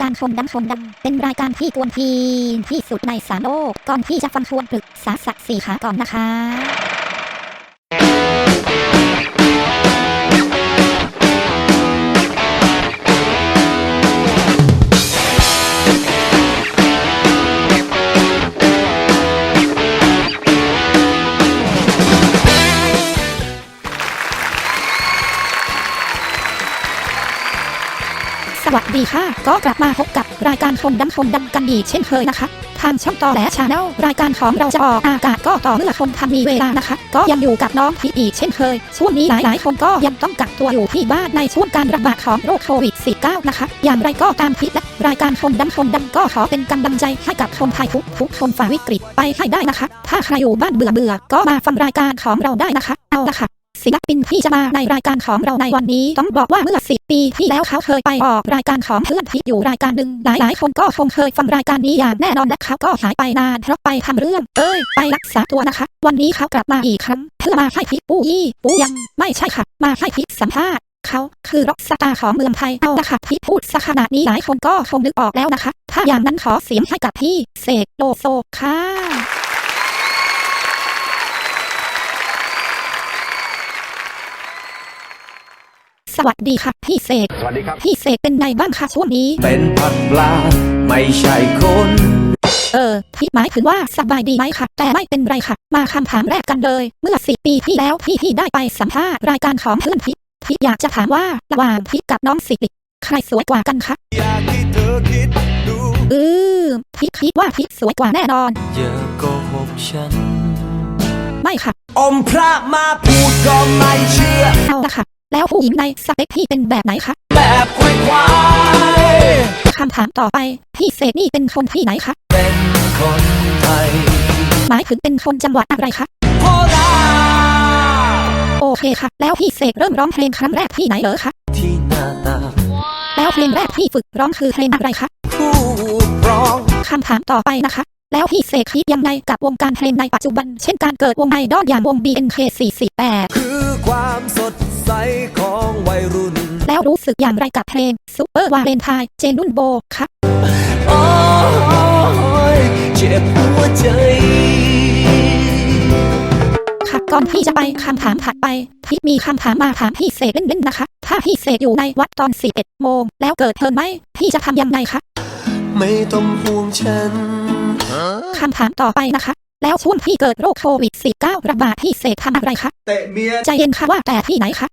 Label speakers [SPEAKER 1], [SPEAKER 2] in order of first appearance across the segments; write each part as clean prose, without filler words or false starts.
[SPEAKER 1] การชมดังเป็นรายการที่กวนทีนที่สุดใน3 โลกก่อนที่จะฟังชวนปรึกษาสัก4 ขาก่อนนะคะสวัสดีค่ะก็กลับมาพบกับรายการชมดังกันอีกเช่นเคยนะคะทางช่องต่อแหลชาแนลรายการของเราจะออกอากาศก็ต่อเมื่อคนทำมีเวลานะคะก็ยังอยู่กับน้องพีอีกเช่นเคยช่วงนี้หลายคนก็ยังต้องกักตัวอยู่ที่บ้านในช่วงการระบาดของโรคโควิด -19 นะคะอย่างไรก็ตามพีและรายการชมดังก็ขอเป็นกำลังใจให้กับคนไทยทุกคนฝ่าวิกฤตไปให้ได้นะคะถ้าใครอยู่บ้านเบื่อก็มาฟังรายการของเราได้นะคะเอาละค่ะศิลปินที่จะมาในรายการของเราในวันนี้ต้องบอกว่าเมื่อ10 ปีที่แล้วเขาเคยไปออกรายการของเพื่อนพีอยู่รายการหนึ่งหลายคนก็คงเคยฟังรายการนี้อย่างแน่นอนและเขาก็หายไปนานเพราะไปทำเรื่องไปรักษาตัวนะคะวันนี้เขากลับมาอีกครั้งเพื่อมาให้พีปูยังไม่ใช่ค่ะมาให้พีสัมภาษณ์เขาคือร็อกสตาร์ของเมืองไทยเอาละค่ะพี่พูดซะขนาดนี้หลายคนก็คงนึกออกแล้วนะคะถ้าอย่างนั้นขอเสียงให้กับพี่เสกโลโซค่ะสวัสดีค่ะพี่เสก
[SPEAKER 2] สวัสดีครับ
[SPEAKER 1] พี่เสกเป็นไงบ้างคะช่วงนี้
[SPEAKER 3] เป็นผักปลาไม่ใช่คน
[SPEAKER 1] พี่หมายถึงว่าสบายดีไหมคะแต่ไม่เป็นไรค่ะมาคำถามแรกกันเลยเมื่อ10 ปีที่แล้วพี่ได้ไปสัมภาษณ์รายการของเพื่อนพี่อยากจะถามว่าระหว่างพี่กับน้องสิริใครสวยกว่ากันคะ
[SPEAKER 3] อยากให้เธอคิดดู
[SPEAKER 1] พี่คิดว่าพี่สวยกว่าแน่นอน
[SPEAKER 3] อย่าโกหกฉัน
[SPEAKER 1] ไม่ค่ะ
[SPEAKER 3] อมพระมาพูดก็ไม่เชื่อ
[SPEAKER 1] เอาละค่ะแล้วผู้หญิงในสเปคพี่เป็นแบบไหนคะ
[SPEAKER 3] แบบควาย
[SPEAKER 1] คำถามต่อไปพี่เสกนี่เป็นคนที่ไหนคะ
[SPEAKER 3] เป็นคนไทย
[SPEAKER 1] หมายถึงเป็นคนจังหวัดอะไรคะ
[SPEAKER 3] โคราช
[SPEAKER 1] โอเคค่ะแล้วพี่เสกเริ่มร้องเพลงครั้งแรกที่ไหนเหรอคะ
[SPEAKER 3] ที่หน้าตา
[SPEAKER 1] แล้วเพลงแรกที่ฝึกร้องคือเพลงอะไรคะ
[SPEAKER 3] ผู้ร้อง
[SPEAKER 1] คำถามต่อไปนะคะแล้วพี่เสกคิดยังไงกับวงการเพลงในปัจจุบันเช่นการเกิดวงไอดอลอย่างวง BNK448
[SPEAKER 3] คือความสดใสของวัยรุ่น
[SPEAKER 1] แล้วรู้สึกอย่างไรกับเพลงซุปเปอร์วาเลนไทน์เจนรุ่นโบคะ
[SPEAKER 3] โอ้ยเจ็บหัวใจ
[SPEAKER 1] ค่ะก่อนที่จะไปคำถามถัดไปพี่มีคำถามมาถามพี่เสกเล่นๆนะคะถ้าพี่เสกอยู่ในวัดตอน11 โมงแล้วเกิดเพลิงไหม้พี่จะทำยังไงคะ
[SPEAKER 3] ไม่ต้องห่วงฉัน
[SPEAKER 1] คำถามต่อไปนะคะแล้วช่วงที่เกิดโรคโควิด -19 ระบาดพี่เสกทำอะไรคะ
[SPEAKER 3] เตะเมีย
[SPEAKER 1] ใจเย็นค่ะว่าแต่ที่ไหนคะ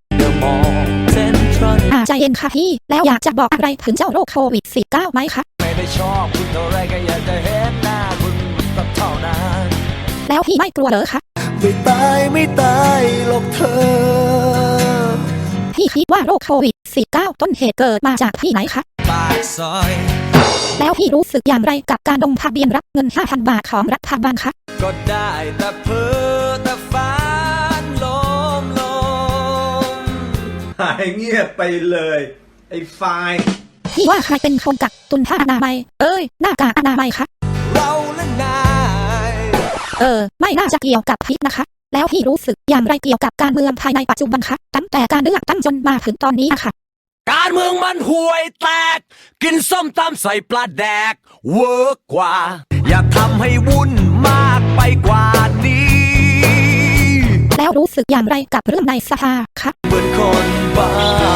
[SPEAKER 1] ใจเย็นค่ะพี่แล้วอยากจะบอกอะไรถึงเจ้าโรคโควิด -19 ไหมคะ
[SPEAKER 3] ไม่ได้ชอบคุณเท่าไรก็อยากจะเห็นหน้าคุณสักเท่านั้น
[SPEAKER 1] แล้วพี่ไม่กลัวเหรอคะ
[SPEAKER 3] ไม่ตายหรอกเธอ
[SPEAKER 1] พี่คิดว่าโรคโควิด -19 ต้นเหตุเกิดมาจากที่ไหนคะ
[SPEAKER 3] ปากซอย
[SPEAKER 1] แล้วพี่รู้สึกอย่างไรกับการลงทะเบียนรับเงิน 5,000 บาทของรัฐบาลคะ
[SPEAKER 3] ก็ได้แต่เพ้อแต่ฝันลมหายเงียบไปเลยไอ้ไฟ
[SPEAKER 1] พี่ว่าใครเป็นคนกักตุนผ้าอนามัยหน้ากากอนามัยคะ
[SPEAKER 3] เราและนาย
[SPEAKER 1] ไม่น่าจะเกี่ยวกับพี่นะคะแล้วพี่รู้สึกอย่างไรเกี่ยวกับการเมืองไทยในปัจจุบันคะตั้งแต่การเลือกตั้งจนมาถึงตอนนี้ค่ะ
[SPEAKER 3] การเมืองมันห่วยแตกกินส้มตำใส่ปลาแดกเวิร์กกว่าอย่าทำให้วุ่นมากไปกว่านี้
[SPEAKER 1] แล้วรู้สึกอย่างไรกับเรื่องในสภาคะ
[SPEAKER 3] เหมือนคนบ้า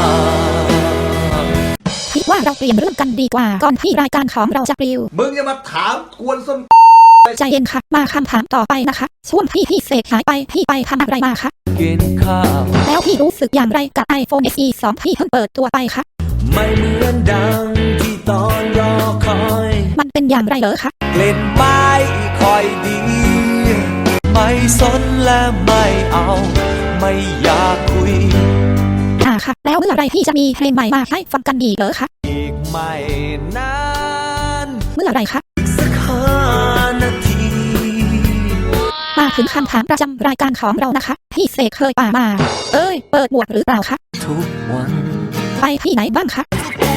[SPEAKER 1] คิดว่าเราเปลี่ยนเรื่องกันดีกว่าก่อนที่รายการของเราจะปลิว
[SPEAKER 3] มึงอย่ามาถามกวนส้ม
[SPEAKER 1] ใจเย็นค่ะมาคำถามต่อไปนะคะช่วงพี่เสกหายไปพี่ไปทำอะไรมาคะ
[SPEAKER 3] กินข้าว
[SPEAKER 1] แล้วพี่รู้สึกอย่างไรกับ iPhone SE 2ที่เพิ่งเปิดตัวไปคะ
[SPEAKER 3] ไม่เหมือนดังที่ตอนรอคอย
[SPEAKER 1] มันเป็นอย่างไรเหรอคะ
[SPEAKER 3] กลิ่นไม้ค่อยดีไม่สนและไม่เอาไม่อยากคุย
[SPEAKER 1] ค่ะแล้วเมื่อไรพี่จะมีเพลงใหม่มาให้ฟังกันอีกเหรอคะ
[SPEAKER 3] อีกไม่นาน
[SPEAKER 1] เมื่อไรคะ
[SPEAKER 3] สัก5 นาที
[SPEAKER 1] มาถึงคำถามประจำรายการของเรานะคะพี่เสกเคยป่ามาเปิดหมวกหรือเปล่าคะ
[SPEAKER 3] ทุกวัน
[SPEAKER 1] ไปที่ไหนบ้างคะ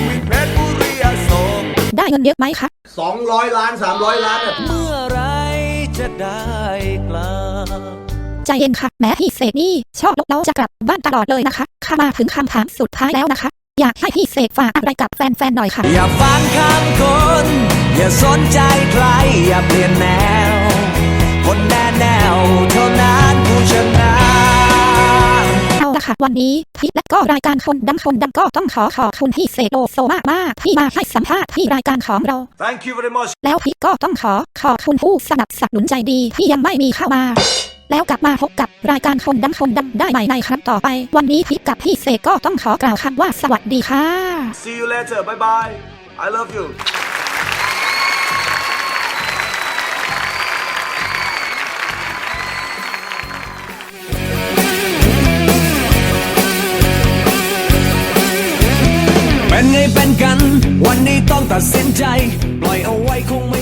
[SPEAKER 1] ได้เงินเยอะไหมคะ
[SPEAKER 3] 200 ล้าน300 ล้านเมื่อไรจะได้กลับ
[SPEAKER 1] ใจเย็นค่ะแม้พี่เสกนี่ชอบลกเล้าจะกลับบ้านตลอดเลยนะคะข้ามาถึงคำถามสุดท้ายแล้วนะคะอยากให้พี่เสกฝากอะไรกับแฟนๆหน่อยค่ะ
[SPEAKER 3] อย่าฟังคำคน อย่าสนใจใคร อย่าเปลี่ยนแนว คนแน่แนวเท่านั้นผู้ชนะ
[SPEAKER 1] เอาละค่ะวันนี้พี่และก็รายการคนดังก็ต้องขอบคุณพี่เสกโลโซมากๆที่มาให้สัมภาษณ์ที่รายการของเรา
[SPEAKER 2] Thank you very much.
[SPEAKER 1] แล้วพี่ก็ต้องขอบคุณผู้สนับสนุนใจดีที่ยังไม่มีเข้ามา แล้วกลับมาพบกับรายการคนดังได้ใหม่ในครั้งต่อไป วันนี้พี่กับพี่เสกก็ต้องขอกล่าวคำว่าสวัสดีค่ะ
[SPEAKER 2] See you later. Bye bye. I love you.
[SPEAKER 3] เป็นไงเป็นกัน วันนี้ต้องตัดสินใจ ปล่อยเอาไว้คงไม่